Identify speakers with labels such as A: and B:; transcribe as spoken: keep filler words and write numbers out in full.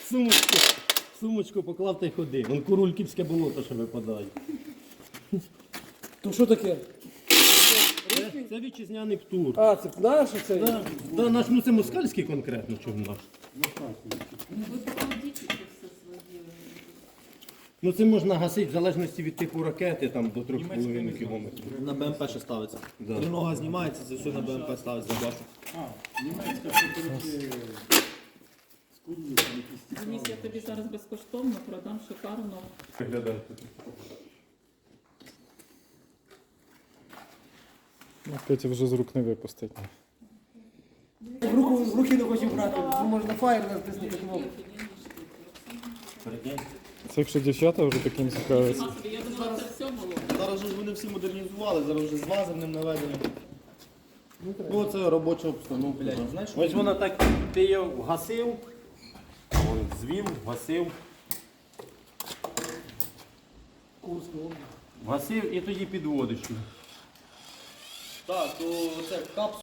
A: Сумочку, сумочку поклав та й ходи. Вон курульківське болото ще випадає.
B: То що таке?
A: Це, це вітчизняний птур.
B: А, це наш оцей?
A: Да, да, наш, ну це москальський конкретно, чому наш.
C: Ну ви покладіть це все своє.
A: Ну це можна гасити в залежності від типу ракети там до трьох з половиною кілометрів.
D: На БМП ще ставиться.
A: Да.
D: Тринога знімається, це все на БМП ставиться. Бачу.
C: Денис, я тобі зараз безкоштовно продам шикарно.
E: Ну, Петя вже з рук не випустить.
B: В, руку, в руки не хочу брати, бо можна фаєр натиснути кнопку.
E: Це якщо дівчата вже таким цікавляться.
C: Господи, я думала, це все було.
D: Зараз же ж вони всі модернізували, зараз вже з лазерним наведенням. Ну це робоча обстановка. Знаєш,
A: Ось воно так, ти її вгасив, вон, звів, вгасив, вгасив і тоді підводиш.
D: так, то це капсула.